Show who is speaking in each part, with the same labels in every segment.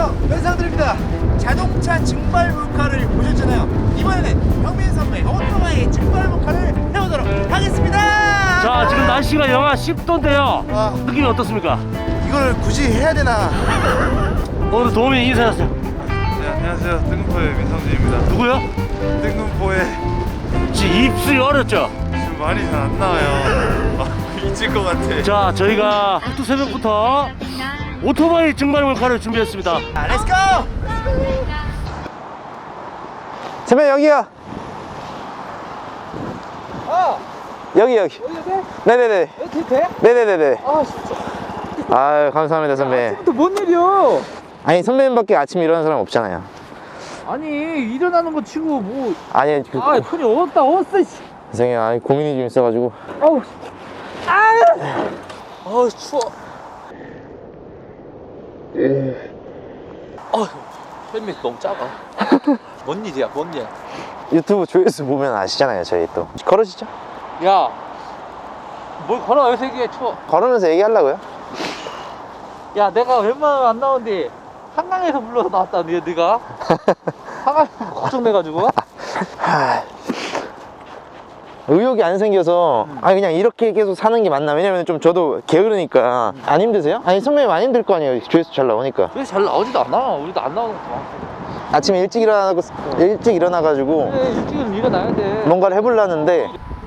Speaker 1: 안녕하세요, 변상들입니다. 자동차 증발 몰카를 보셨잖아요. 이번에는 형민 선배 오토바이 증발 몰카를 해보도록 하겠습니다.
Speaker 2: 자, 지금 날씨가 영하 10도인데요. 느낌이 어떻습니까?
Speaker 1: 이걸 굳이 해야 되나?
Speaker 2: 오늘 도우미 인사하세요.
Speaker 3: 네, 안녕하세요. 뜬금포의 민성진입니다.
Speaker 2: 누구요?
Speaker 3: 뜬금포에
Speaker 2: 지금 입술이 어렸죠?
Speaker 3: 지금 말이 잘 안 나와요. 잊을 것 같아.
Speaker 2: 자, 저희가 학두 새벽부터 오토바이 증발 몰카를 준비했습니다.
Speaker 1: 자, 렛츠고! 선배 여기요. 여기. 네네네.
Speaker 4: 이렇게 돼?
Speaker 1: 네네네네.
Speaker 4: 아 진짜
Speaker 1: 아유 감사합니다 선배.
Speaker 4: 또 못 내려.
Speaker 1: 아니 선배님밖에 아침에 일어나는 사람 없잖아요.
Speaker 4: 아니 일어나는 거 치고 뭐.
Speaker 1: 아니 그
Speaker 4: 아 손이 얼었어. 씨.
Speaker 1: 죄송해요. 아니 고민이 좀 있어가지고.
Speaker 4: 아우. 아우 추워. 헬멧 너무 작아. 뭔 일이야, 뭔 일?
Speaker 1: 유튜브 조회수 보면 아시잖아요. 저희 또 걸으시죠.
Speaker 4: 야, 뭘 걸어 여기서 얘기해 추워.
Speaker 1: 걸으면서 얘기하려고요.
Speaker 4: 야, 내가 웬만하면 안 나오는데 한강에서 불러서 나왔다, 네가. 한강 걱정돼가지고.
Speaker 1: 의욕이 안 생겨서 아니 그냥 이렇게 계속 사는 게 맞나. 왜냐면 좀 저도 게으르니까. 안 힘드세요? 아니 선배님 안 힘들 거 아니에요. 조회수 잘 나오니까.
Speaker 4: 왜 잘 나오지도 않아? 우리도 안 나오는 거 같아.
Speaker 1: 아침에 일찍 일어나가지고
Speaker 4: 그래, 일찍은 일어나야 돼.
Speaker 1: 뭔가를 해보려는데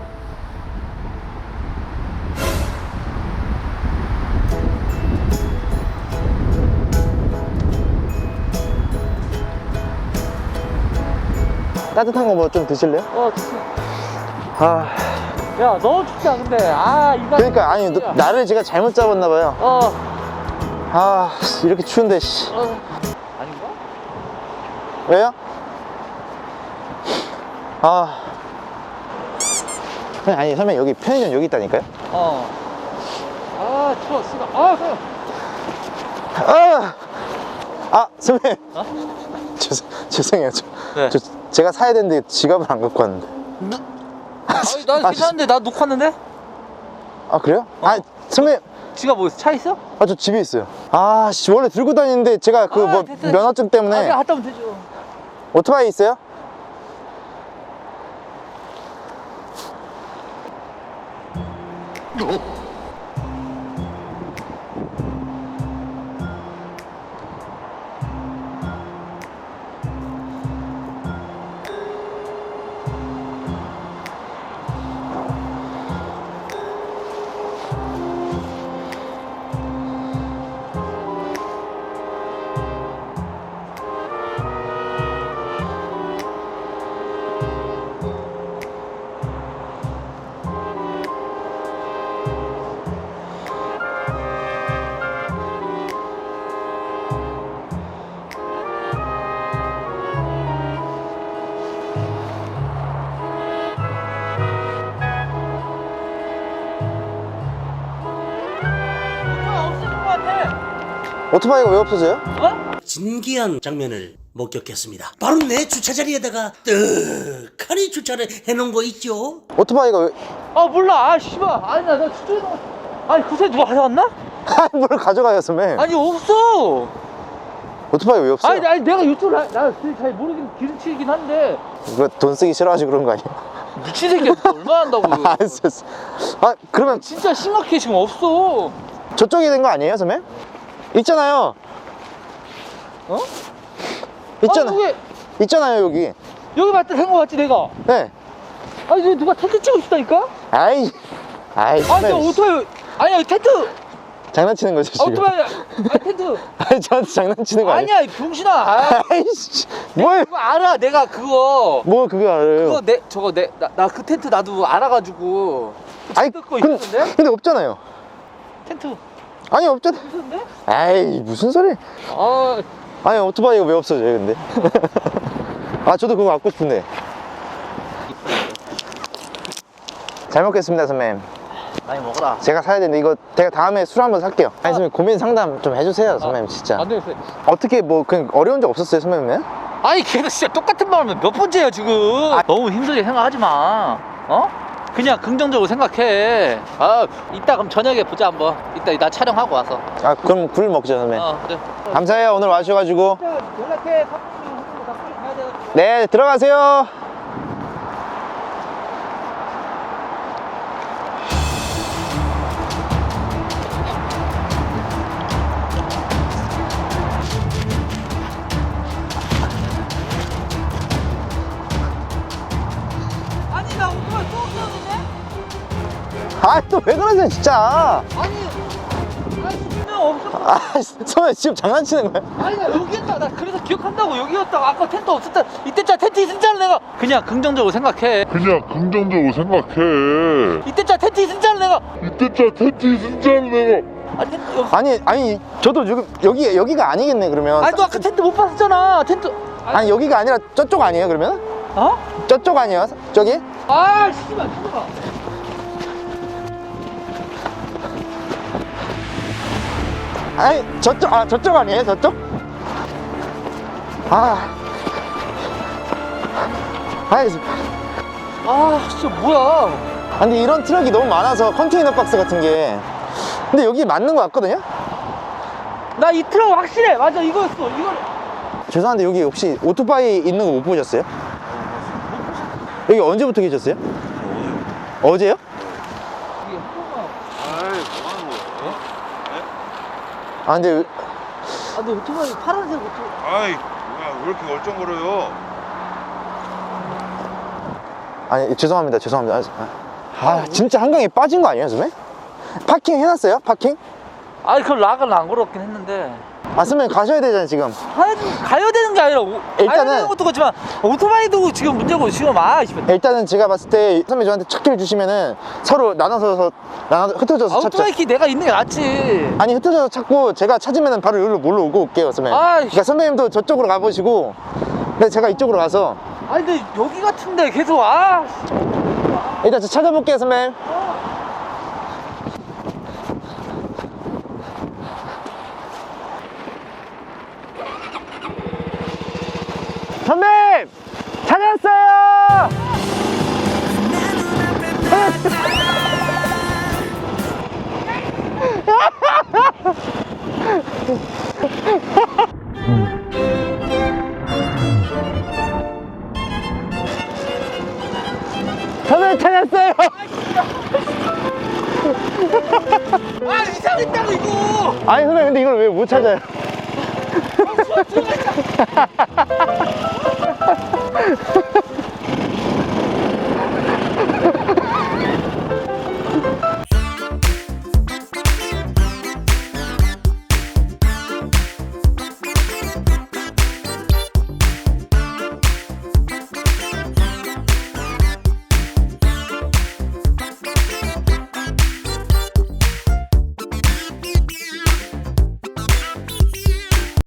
Speaker 1: 따뜻한 거 뭐 좀 드실래요?
Speaker 4: 좋지.
Speaker 1: 아
Speaker 4: 야, 너무 춥다, 근데. 이거.
Speaker 1: 그러니까 아니 나를 제가 잘못 잡았나 봐요. 아 이렇게 추운데 씨.
Speaker 4: 아닌가?
Speaker 1: 왜요? 아니 선배님 여기 편의점 여기 있다니까요?
Speaker 4: 추워, 씨발.
Speaker 1: 선배님 죄송해요.
Speaker 4: 네.
Speaker 1: 제가 사야 되는데 지갑을 안 갖고 왔는데.
Speaker 4: 나 괜찮은데, 나 놓고 왔는데?
Speaker 1: 아 그래요? 선배님
Speaker 4: 지가 뭐, 차 있어?
Speaker 1: 저 집에 있어요. 씨 원래 들고 다니는데 제가 그 뭐
Speaker 4: 됐어.
Speaker 1: 면허증 때문에.
Speaker 4: 내가 갔다 오면 되죠.
Speaker 1: 오토바이 있어요? 오토바이가 왜 없어져요?
Speaker 5: 진기한 장면을 목격했습니다. 바로 내 주차자리에다가 떡하니 주차를 해놓은 거 있죠?
Speaker 1: 오토바이가 왜?
Speaker 4: 몰라. 씨발. 아니, 나 주차해 놓은. 아니, 그새 누가 가져왔나?
Speaker 1: 뭘 가져가요 선배?
Speaker 4: 아니, 없어.
Speaker 1: 오토바이 왜 없어요?
Speaker 4: 아니, 내가 이쪽을 잘 모르긴 기름치긴 한데.
Speaker 1: 이거 돈 쓰기 싫어가지고 그런 거 아니에요?
Speaker 4: 미친 새끼야. 얼마 한다고.
Speaker 1: 알았어. 그러면
Speaker 4: 진짜 심각해, 지금 없어.
Speaker 1: 저쪽이 된 거 아니에요 선배? 있잖아요.
Speaker 4: 여기,
Speaker 1: 있잖아요 여기.
Speaker 4: 여기 맞다 된거 같지, 내가?
Speaker 1: 네.
Speaker 4: 아니, 여기 누가 텐트 치고 있다니까?
Speaker 1: 아이
Speaker 4: 아니,
Speaker 1: 선배,
Speaker 4: 저 오토바이. 아니야, 텐트.
Speaker 1: 장난치는 거죠 지금?
Speaker 4: 오토바이. 텐트.
Speaker 1: 아니 저한테 장난치는 거 아니에요?
Speaker 4: 아니야, 이 병신아.
Speaker 1: 아이씨 뭘?
Speaker 4: 그거 알아, 내가 그거.
Speaker 1: 뭐 그거 알아요?
Speaker 4: 나 그 텐트 나도 알아가지고.
Speaker 1: 아니
Speaker 4: 뜯고 있었는데?
Speaker 1: 근데 없잖아요.
Speaker 4: 텐트.
Speaker 1: 아니 없잖아.
Speaker 4: 있었는데?
Speaker 1: 아이 무슨 소리? 아니 오토바이가 왜 없어져요 근데? 저도 그거 갖고 싶은데. 잘 먹겠습니다 선배님.
Speaker 4: 많이 먹어라.
Speaker 1: 제가 사야 되는데 이거 제가 다음에 술 한번 살게요. 아니 선배님 고민 상담 좀 해주세요 선배님 진짜.
Speaker 4: 안 되겠어요.
Speaker 1: 어떻게 뭐 그냥 어려운 적 없었어요 선배님은?
Speaker 4: 아니, 걔도 진짜 똑같은 말 하면 몇 번째야, 지금. 너무 힘들게 생각하지 마. 그냥 긍정적으로 생각해. 아, 이따 그럼 저녁에 보자 한번. 이따 나 촬영하고 와서.
Speaker 1: 아 그럼 굴 먹자 선배.
Speaker 4: 그래.
Speaker 1: 감사해요 오늘 와주셔가지고.
Speaker 4: 연락해. 나 빨리 가야 돼.
Speaker 1: 네 들어가세요.
Speaker 4: 아니 나 오토바이 또 없었는데?
Speaker 1: 아 또 왜 그러세요 진짜.
Speaker 4: 아니 분명 없었어.
Speaker 1: 아 선배 지금 장난치는 거야?
Speaker 4: 아니 나 여기였다. 나 그래서 기억한다고 여기였다. 아까 텐트 없었다. 이때짜 텐트 있었잖아 내가. 그냥 긍정적으로 생각해.
Speaker 6: 그냥 긍정적으로 생각해.
Speaker 4: 이때짜 텐트 있었잖아 내가.
Speaker 6: 이때짜 텐트 있었잖아 내가.
Speaker 1: 아니 저도 지금 여기가 아니겠네 그러면.
Speaker 4: 아니 너 아까 텐트 못 봤었잖아. 텐트.
Speaker 1: 아니 여기가 아니라 저쪽 아니에요 그러면?
Speaker 4: 어?
Speaker 1: 저쪽 아니에요 저기?
Speaker 4: 아 씨발 잠깐만.
Speaker 1: 아니 저쪽 아니에요 저쪽? 아니
Speaker 4: 진짜 뭐야.
Speaker 1: 근데 이런 트럭이 너무 많아서 컨테이너 박스 같은 게. 근데 여기 맞는 거 같거든요?
Speaker 4: 나 이 트럭 확실해. 맞아 이거였어. 이거.
Speaker 1: 죄송한데 여기 혹시 오토바이 있는 거 못 보셨어요? 여기 언제부터 계셨어요? 어제요? 아 근데
Speaker 4: 근데 오토바이 파란색 오토바이.
Speaker 3: 아이 뭐야 왜 이렇게 얼쩡거려요?
Speaker 1: 아니 죄송합니다 진짜 한강에 빠진 거 아니에요 선배? 파킹 해놨어요? 파킹?
Speaker 4: 아니 그럼 락은 안 걸었긴 했는데.
Speaker 1: 선배 가셔야 되잖아요 지금.
Speaker 4: 가야 되는 게 아니라
Speaker 1: 일단은-
Speaker 4: 가야 되는 것도 그렇지만 오토바이도 지금 문제고 지금
Speaker 1: 일단은 제가 봤을 때 선배 저한테 첫 키를 주시면은 서로 나눠서 흩어져서 찾죠.
Speaker 4: 오토바이 키 내가 있는 게 낫지.
Speaker 1: 아니 흩어져서 찾고 제가 찾으면은 바로 여기로 몰러 오고 올게요 선배. 그러니까 선배님도 저쪽으로 가보시고 근데 제가 이쪽으로 가서
Speaker 4: 아니 근데 여기 같은데 계속
Speaker 1: 일단 저 찾아볼게요 선배님. 선배님! 찾았어요! 선배님 찾았어요!
Speaker 4: 이상했다고 이거.
Speaker 1: 아니 선배님 근데 이걸 왜 못 찾아요?